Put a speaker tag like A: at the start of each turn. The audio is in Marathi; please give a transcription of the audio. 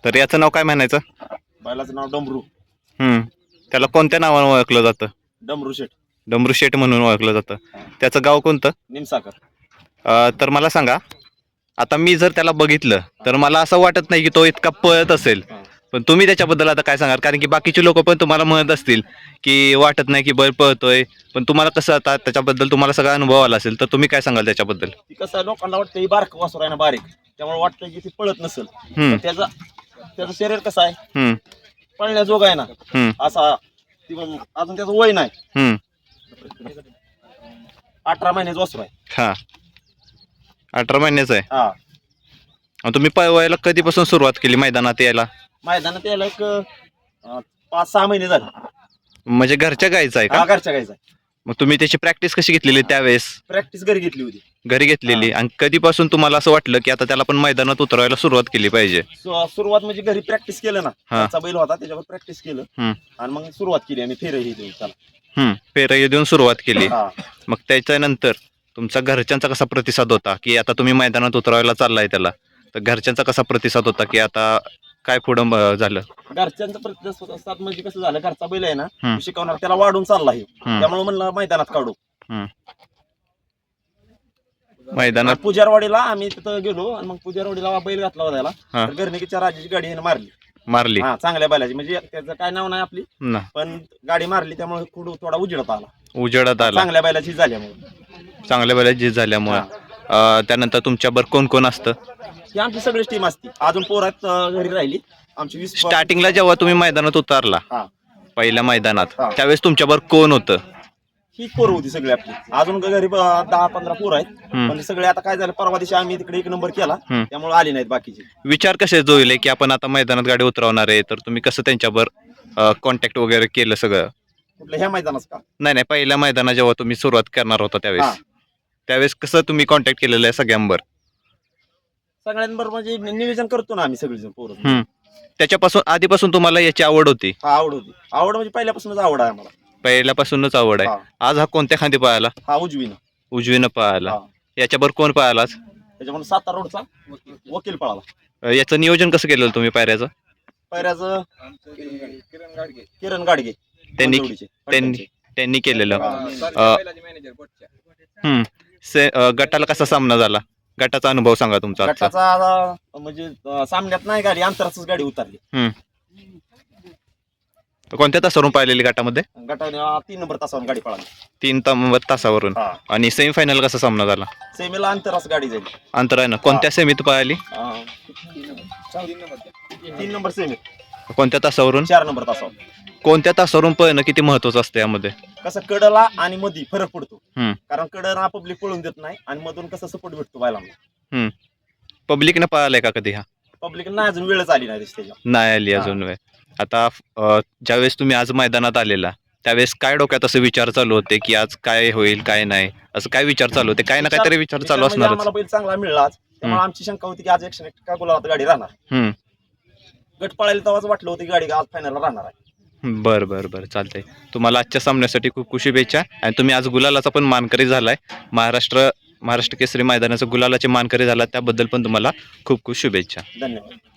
A: तर याचं नाव काय म्हणायचं?
B: बैलाचं नाव डमरू.
A: त्याला कोणत्या नावाने ओळखलं जातं?
B: डमरू शेट.
A: डमरू शेट म्हणून ओळखलं जातं. त्याचं गाव कोणतं?
B: निमसाकर.
A: तर मला सांगा, आता मी जर त्याला बघितलं तर मला असं वाटत नाही की तो इतका पळत असेल, पण तुम्ही त्याच्याबद्दल आता काय सांगाल? कारण की बाकीचे लोक पण तुम्हाला म्हणत असतील की वाटत नाही की बैल पळतोय, पण तुम्हाला कसं आता त्याच्याबद्दल तुम्हाला सगळा अनुभव आला असेल, तर तुम्ही काय सांगाल त्याच्याबद्दल?
B: ती कसं लोकांना वाटतं ही बारक वासर आहे ना, बारीक, त्यामुळे वाटतं की ती पळत नसेल. पण त्याचं शरीर कसं आहे, पळण्याजोग आहे ना असा. अजून त्याचं वय नाही, 18 महिन्याचं वासर आहे.
A: हा, 18 महिन्याचं आहे.
B: हा.
A: तुम्ही पळवायला कधीपासून सुरुवात केली मैदानात यायला?
B: मैदानात यायला एक 5-6 महिने झाले.
A: म्हणजे घरच्या गायचं आहे का?
B: घरच्या गायचा.
A: मग तुम्ही त्याची प्रॅक्टिस कशी घेतलेली त्यावेळेस?
B: प्रॅक्टिस घरी घेतली होती.
A: घरी घेतलेली. आणि कधीपासून तुम्हाला असं वाटलं की आता त्याला पण मैदानात उतरवायला सुरुवात केली पाहिजे?
B: सुरुवात म्हणजे घरी प्रॅक्टिस केलं ना, त्याचा बैल होता त्याच्यावर प्रॅक्टिस केलं आणि मग सुरुवात केली आम्ही फेरही देऊन त्याला.
A: फेरही देऊन सुरुवात केली. मग त्याच्यानंतर तुमचा घरच्यांचा कसा प्रतिसाद होता की आता तुम्ही मैदानात उतरवायला चाललाय त्याला? तर घरच्यांचा कसा प्रतिसाद होता की आता काय पुढं झालं?
B: घरच्यांचा प्रतिसाद म्हणजे कसं झालं, घरचा बैल आहे ना, शिकवणार त्याला वाढून चालला आहे, त्यामुळे म्हणलं मैदानात काढू.
A: मैदानात
B: पुजारवाडीला आम्ही तिथं गेलो आणि मग पुजारवाडीला बैल घातला होता त्याला, तर घरनिकीच्या राजाची गाडी आहे मारली. हा, चांगल्या बैलाची, म्हणजे त्याचं काय नाव नाही आपली, पण गाडी मारली त्यामुळे थोडा उजेडात आला. चांगल्या बैलाची
A: झाल्यामुळे. त्यानंतर तुमच्याबरोबर कोण कोण असतं?
B: ही आमची सगळीच टीम असते. अजून पोरात घरी राहिली आमची 20.
A: स्टार्टिंगला जेव्हा तुम्ही मैदानात उतरला पहिल्या मैदानात, त्यावेळेस तुमच्याबरोबर कोण होतं?
B: ही पोरं होती सगळी आपली. अजून घरी 10-15 पोरं आहेत, म्हणजे सगळे आता काय झालं, परवा दिवशी आम्ही तिकडे 1 नंबर केला त्यामुळे आली नाहीत बाकीचे.
A: विचार कसे जोडले की आपण आता मैदानात गाडी उतरवणार आहे, तर तुम्ही कसं त्यांच्याबरोबर कॉन्टॅक्ट वगैरे केलं सगळं?
B: कुठल्या ह्या मैदानात का?
A: नाही, पहिल्या मैदानात जेव्हा तुम्ही सुरुवात करणार होता त्यावेळेस कसं तुम्ही कॉन्टॅक्ट केलेलं आहे सगळ्यांबरोबर
B: म्हणजे नियोजन करतो ना आम्ही सगळेजण पोरं.
A: त्याच्यापासून आधीपासून तुम्हाला याची आवड होती?
B: आवड म्हणजे पहिल्यापासूनच आवड आहे आम्हाला.
A: पहिल्यापासूनच आवड आहे. आज हा कोणत्या खांदी पळाला?
B: हा, उजवीनं
A: पळाला. याच्याबरोबर कोण पळाला?
B: त्याच्यामुळे सातारा रोडचा वकील पळाला.
A: याचं नियोजन कसं केलेलं तुम्ही पायऱ्याचं?
B: किरण गाडगे
A: त्यांनी केलेलं. गटाला कसा सामना झाला? गटाचा अनुभव सांगा तुमचा.
B: गटाचा म्हणजे सामन्यात नाही गाडी, अंतराचीच गाडी उतरली.
A: कोणत्या तासावरून पाहिलेली गटामध्ये?
B: गटाने 3 नंबर तासावरून गाडी पळाली.
A: 3 नंबर तासावरून. आणि सेमीफायनल कसा सामना झाला?
B: सेमीला अंतराच गाडी जाईल.
A: अंतरानं कोणत्या सेमीत पाहिली?
B: 3 नंबर सेमी.
A: कोणत्या तासावरून?
B: 4 नंबर तासावर.
A: कोणत्या तासावरून पळणं किती महत्वाचं असतं यामध्ये?
B: कसं कडला आणि मधी फरक पडतो, कारण कडला पब्लिक पळून देत नाही आणि मधून कसं सपोर्ट भेटतो बैलांना.
A: पब्लिकने पळालाय का कधी?
B: पब्लिक नाही, अजून वेळच आली नाही त्याच्या.
A: नाही आली अजून वेळ. आता ज्यावेळेस तुम्ही आज मैदानात आलेला त्यावेळेस काय डोक्यात असं विचार चालू होते की आज काय होईल काय नाही, असं काय विचार चालू होते? काय ना काहीतरी विचार चालू असणार.
B: आम्हाला बैल चांगला मिळला त्यामुळे आमची शंका होती की आज 101 गुलाबात गाडी राहणार. गट पळायला तेव्हाच वाटलं होतं की गाडी आज फायनलला राहणार आहे.
A: बरं चालतंय. तुम्हाला आजच्या सामन्यासाठी खूप खूप शुभेच्छा. आणि तुम्ही आज गुलालाचा पण मानकरी झालाय. महाराष्ट्र केसरी मैदानाचा गुलालाचे मानकरी झाला, त्याबद्दल पण तुम्हाला खूप खूप शुभेच्छा.
B: धन्यवाद.